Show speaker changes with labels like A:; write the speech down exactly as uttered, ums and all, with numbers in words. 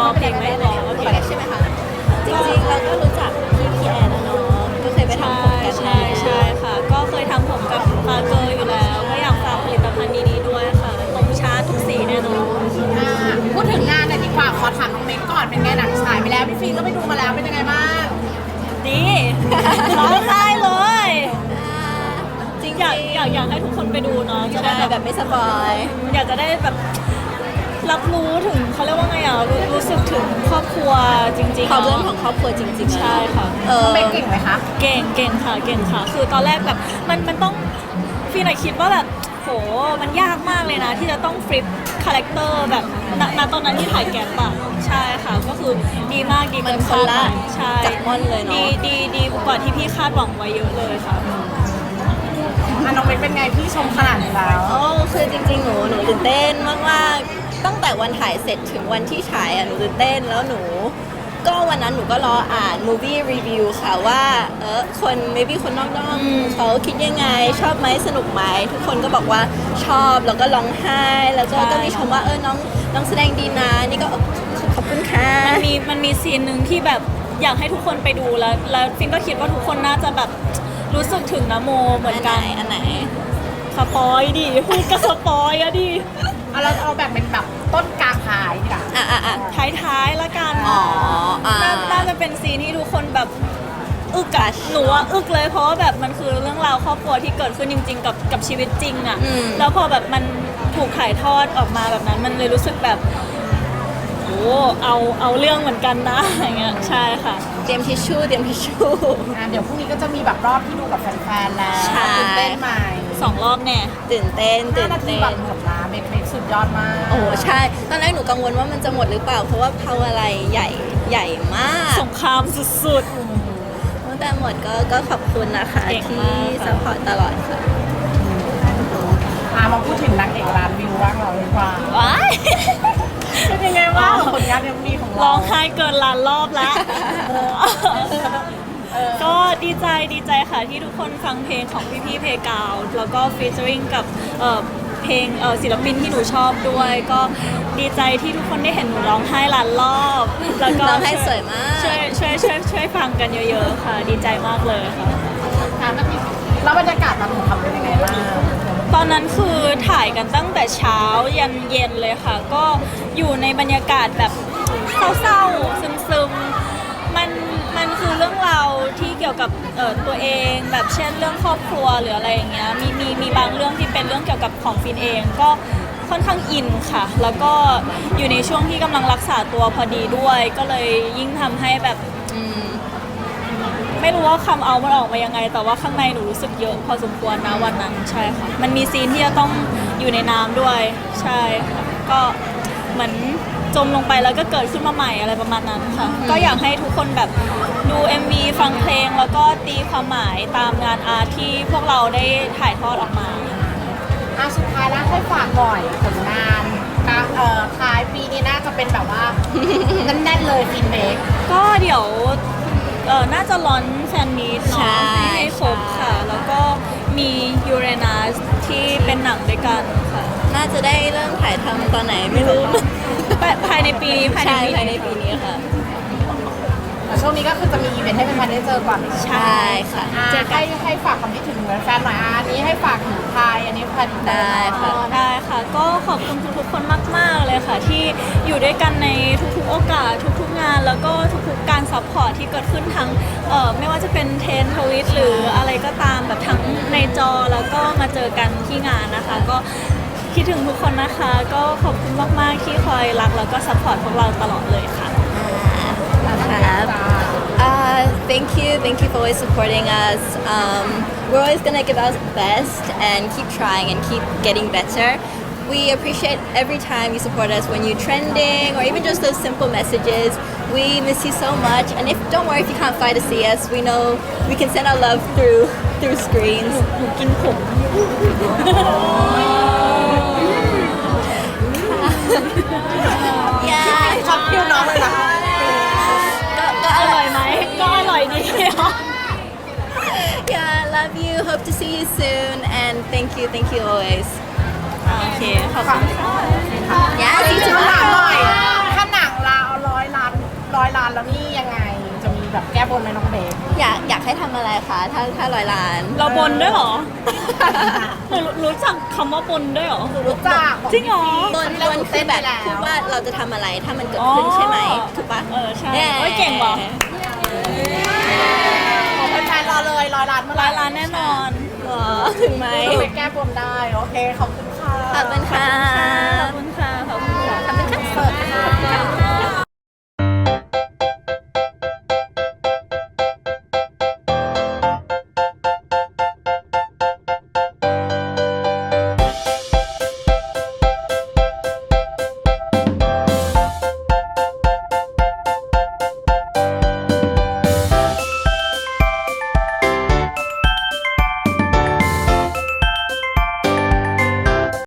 A: เพลงไม่รอโอเค
B: ใช่ไหมคะจริงๆเราก็รู้จักพี่พี่แอนนะเนาะก็เคยไปทำผมกัน
A: ใช่ใช่ค่ะ ก็เคยทำผมกับฟาเกอร์อยู่แล้ว ก็อยากฝากผลิตภัณฑ์ดีๆด้วยค่ะผมชาร์จทุกสีแน่นอน
C: อ่าพูดถึงงานหน่อยดีกว่าขอถามน้องเมย์ก่อนเป็นไงหนังฉายไปแล้วพี่ฟิล์มก็ไปดูมาแล้วเป็นยังไงบ้าง
A: ดีร้องไห้เลย
B: จริง
A: อยากอยากอยากให้ทุกคนไปดูเนาะจะได้
B: แต่
A: แบ
B: แบบ บไม่สปอย
A: อยากจะได้แบบรับรู้ถึงเขาเรียกว่าไงอ่ะรู้รู้สึกถึงครอบครัวจริงๆ
B: ความเรื่อง
A: เนาะ
B: ของครอบครัวจริงๆ
A: ใช่ค่ะ
B: เออ
C: น้องเมย์เก่งไหมคะ
A: เก่งเก่งค่ะเก่งค่ะ คือตอนแรกแบบมันมันต้องฟีนอะคิดว่าแบบโหมันยากมากเลยนะ ที่จะต้องฟลิปคาแรคเตอร์แบบณณตอนนั้นที่ถ่ายแกปอะใช่ค่ะ ก็คือดีมากดี
B: มัน
A: เกิน
B: คนละ
A: คาดหมายใช่
B: จากม่อนเลยเนาะ
A: ดีดีดีกว่าที่พี่คาดหวังไว้เยอะเลยค่ะ
C: อ่ะน้องเมย์เป็นไงพี่ชมขนาดนี้แล้ว
B: โอ้คือจริงๆ หนูหนูตื่นเต้นมากๆ ตั้งแต่วันถ่ายเสร็จถึงวันที่ฉายอ่ะหนูตื่นเต้นแล้วหนู ก็วันนั้นหนูก็รออ่าน movie review ค่ะว่าเออคน maybe คนนอก
A: อืม
B: ๆเขาคิดยังไงชอบไหมสนุกไหมทุกคนก็บอกว่าชอบแล้วก็ร้องไห้ แล้วก็ก็มีชมว่าเออน้องน้องแสดงดีนะนี่ก็ขอบคุณค่ะ
A: มันมีมันมีซีนหนึ่งที่แบบอยากให้ทุกคนไปดูแล้ว แล้วฟินก็คิดว่าทุกคนน่าจะแบบรู้สึกถึงนะโมเหมือนกัน
B: อันไหน
A: สปอยดิพูดก็สปอยอะดิ
C: เอาเราเอาแบบเป็นแบบต้นกลางท้ายดีกว่า
B: อ่ะอ่ะอ่ะ
A: ท้ายๆละกัน
B: อ๋ออ่า
A: น่าน่าจะเป็นซีนที่ทุกคนแบบอึกอะหนูว่าอึกเลยเพราะว่าแบบมันคือเรื่องราวครอบครัวที่เกิดขึ้นจริง ๆ กับกับชีวิตจริงอะ
B: อืม
A: แล้วพอแบบมันถูกถ่ายทอดออกมาแบบนั้น มันเลยรู้สึกแบบโอ้เอาเอาเรื่องเหมือนกันนะอย่างเงี้ยใช่ค่ะ
B: เตรียมทิชชู่เตรียมทิชชู่
C: อ่ะเดี๋ยวพรุ่งนี้ก็จะมีแบบรอบที่ดูกับแฟนๆแล้ว
B: ใช่
C: ตื่นเต้นไหม
A: สองรอบแน่
B: ตื่นเต้น
C: ห้า
B: ตื่น
C: นาที
B: เต้
C: แบบ
B: น
C: หมดละเมย์เมย์สุดยอดมาก
B: โอ้ใช่ ตอนแรกหนูกังวลว่ามันจะหมดหรือเปล่า เพราะว่าพาวอะไรใหญ่ใหญ่มาก
A: สงครามสุด
B: ตั้งแต่หมดก็ก็ขอบคุณนะคะ
A: เก่ง
B: ที่
A: มากค่ะ
B: ซัพพอร์ตตลอดค่ะ
C: อ่ะมาพูดถึงนางเอกร้านวิวบ้างเราดีกว่า
A: ๆว้าย
C: เป็นยังไงบ้างผลงานเอ็มวีของ
A: ร้
C: เรา
A: องไห้เกินล้านรอบแล้วก็ดีใจดีใจค่ะที่ทุกคนฟังเพลงของพี่พี่ๆเพกาวแล้วก็ฟีเจอริงกับเอ่อเพลงเอ่อศิลปินที่หนูชอบด้วย ก็ดีใจที่ทุกคนได้เห็นหนูร้องไห้ล้านรอบแล้วก็
B: ร้องไห้สวยมาก
A: ช่วยช่วยช่วยช่วยฟังกันเยอะๆค่ะ ดีใจมากเลยค่ะ
C: งานก็มีแล้วบรรยากาศตอนหนูทำเป็นยังไงบ้าง
A: ตอนนั้นคือถ่ายกันตั้งแต่เช้ายันเย็นเลยค่ะ ก็อยู่ในบรรยากาศแบบเศร้าๆซึมๆมันมันคือเรื่องราวที่เกี่ยวกับเอ่อตัวเองแบบเช่นเรื่องครอบครัวหรืออะไรอย่างเงี้ยมีมีมีบางเรื่องที่เป็นเรื่องเกี่ยวกับของฟินเอง ก็ค่อนข้างอินค่ะ แล้วก็อยู่ในช่วงที่กำลังรักษาตัวพอดีด้วย ก็เลยยิ่งทำให้แบบ
B: อืม
A: ไม่รู้ว่าคำเอามันออกมายังไง แต่ว่าข้างในหนูรู้สึกเยอะพอสมควรนะวันนั้นใช่ค่ะ มันมีซีนที่จะต้องอยู่ในน้ำด้วยใช่ค่ะก็เหมือนจมลงไปแล้วก็เกิดขึ้นมาใหม่อะไรประมาณนั้นค่ะ ก็อยากให้ทุกคนแบบดู เอ็ม วี ฟังเพลงแล้วก็ตีความหมายตามงานอาร์ตที่พวกเราได้ถ่ายทอดออกมา
C: อ่ะสุดท้ายแล้วให้ฝากหน่อยผลงานกลางเอ่อท้ายปีนี้น่าจะเป็นแบบว่า แน่นๆเลยฟินเมก
A: ก็เดี๋ยวเออน่าจะร้อนแฟนมีต
B: ใช่
A: เนาะให้ครบค่ะ แล้วก็มียูเรนัสที่เป็นหนังด้วยกันค่ะ
B: น่าจะได้เริ่มถ่ายทำตอนไหนไม่รู้
A: ภายในปีนี้ภายใน
B: ใช่
A: ปี
B: ภายใน
A: นี้
B: ปีนี้ค่ะ
C: แต่ช่วงนี้ก็คือจะมีอีเวนต์ให้แฟนๆได้เจอก่อน
B: ใช่ค่ะ
C: อ่ะ
A: เจอกัน
C: ให้ให้ฝากความคิดถึงแฟนๆหน่อยอ่ะอันนี้ให้ฝากถึงไทยอันนี้แฟนอินเตอร์
B: ได้ค่ะ
A: อ๋อได้ค่ะ ก็ขอบคุณทุกๆคนมาก ๆ เลยค่ะ ที่อยู่ด้วยกันในทุกๆโอกาสทุกๆงาน แล้วก็ทุกๆการซัพพอร์ตที่เกิดขึ้นทั้งเอ่อไม่ว่าจะเป็นเทรนทวิตหรืออะไรก็ตามแบบทั้งในจอแล้วก็มาเจอกันที่งานนะคะ ก็คิดถึงทุกคนนะคะ ก็ขอบคุณมาก ๆ ที่คอยรักแล้วก็ซัพพอร์ตพวกเราตลอดเลยค่ะ
B: ครับ Uh, thank you, thank you for always supporting us. Um, we're always gonna give our best and keep trying and keep getting better. We appreciate every time you support us when you're trending or even just those simple messages. We miss you so much, and if don't worry if you can't fly to see us. We know we can send our love through through screens.
A: หนูกินผม
B: Yeah.
C: ชอบคิวน้องเลยนะ
B: ก็ก็
A: อ
B: อ
A: ร่
B: ร่
A: อ
B: อย ย
A: ไหมก็อร่อยดี
B: Yeah, love you. Hope to see you soon, and thank you, thank you always.
A: โอเค ขอบคุณค่ะ
B: Yeah, see you
C: คำถามหน่อย
B: tomorrow.
C: ถ้าหนังเราร้อยร้อยล้านแล้วนี่ยังไงจะมีแบบแก้บนไหมน้องเบค
B: อยากอยากให้ทำอะไรคะถ้าถ้าร้อยล้าน
A: เราบนด้วยเหรอ หนูรู้จักคำว่าบนด้วยเหรอ
C: รู้จัก
A: จริงเหรอ
B: บนบนคือแบบพูดว่าเราจะทำอะไรถ้ามันเกิดขึ้นใช่ไหมถูกปะ
A: เออใช่โอ้ยเก่งว่ะ
C: ของแฟนๆรอเลยร้อยล้านเมื่อไห
A: ร้
C: ร่
A: อยล้านแน่นอน
B: เหรอถึงไหม
C: ไปแก้บนได้โอเคขอบคุณค่ะ
B: ขอบคุณค่ะ
A: ขอบคุณค่ะ ขอบคุณค่ะ
B: ขอบคุณค่ะ
C: เปิดค่ะ